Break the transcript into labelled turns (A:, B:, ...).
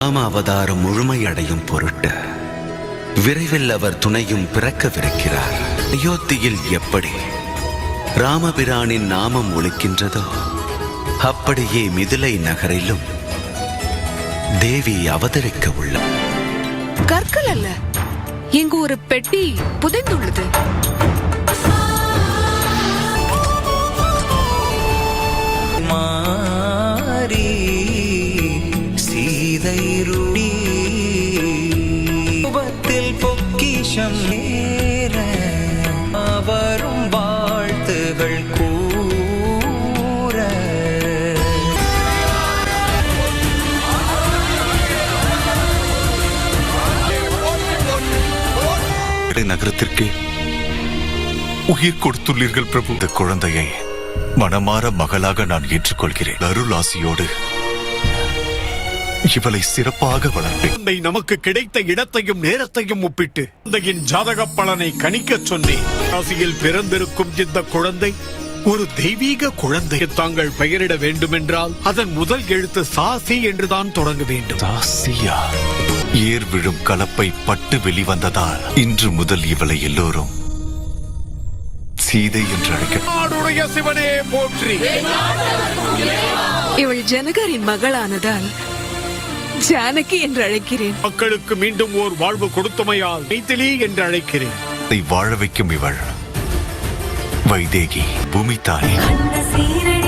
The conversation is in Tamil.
A: ராம அவதாரம் முழுமையடையும் பொருட்டு விரைவில் அவர் துணையும் பிறக்கவிருக்கிறார். அயோத்தியில் எப்படி ராமபிரானின் நாமம் ஒலிக்கின்றதோ அப்படியே மிதிலை நகரிலும் தேவி அவதரிக்க உள்ளார்.
B: கற்கள் அல்ல, இங்கு ஒரு பெட்டி புதைந்துள்ளது.
C: மாரி சீதைருடி உபத்தில் பொக்கிஷம் ஏற அவரும் வாழ்த்துகள் கூற
D: நகரத்திற்கு உயிர் கொடுத்துள்ளீர்கள் பிரபு. இந்த குழந்தையை மனமாற மகளாக நான் ஏற்றுக்கொள்கிறேன். அருளாசியோடு இவளை சிறப்பாக வளர்ப்பேன்.
E: நமக்கு கிடைத்த இடத்தையும் நேரத்தையும் ஒப்பிட்டு குழந்தையின் ஜாதக பலனை கணிக்க சொன்னேன். ராசியில் பிறந்திருக்கும் இந்த குழந்தை ஒரு தெய்வீக குழந்தை. தாங்கள் பெயரிட வேண்டுமென்றால் அதன் முதல் எழுத்து சாசி என்றுதான் தொடங்க வேண்டும்.
D: சாசியா? ஏர் விழும் கலப்பை பட்டு வெளிவந்ததால் இன்று முதல் இவளை எல்லோரும் சீதை என்று அழைக்க.
E: சிவனே போற்றி.
B: இவள் ஜனகரின் மகளானதால் ஜானகி என்று அழைக்கிறேன்.
E: மக்களுக்கு மீண்டும் ஓர் வாழ்வு கொடுத்தமையால் மைதிலி என்று அழைக்கிறேன்.
D: வாழ வைக்கும் இவள் வைதேகி பூமி தாய்.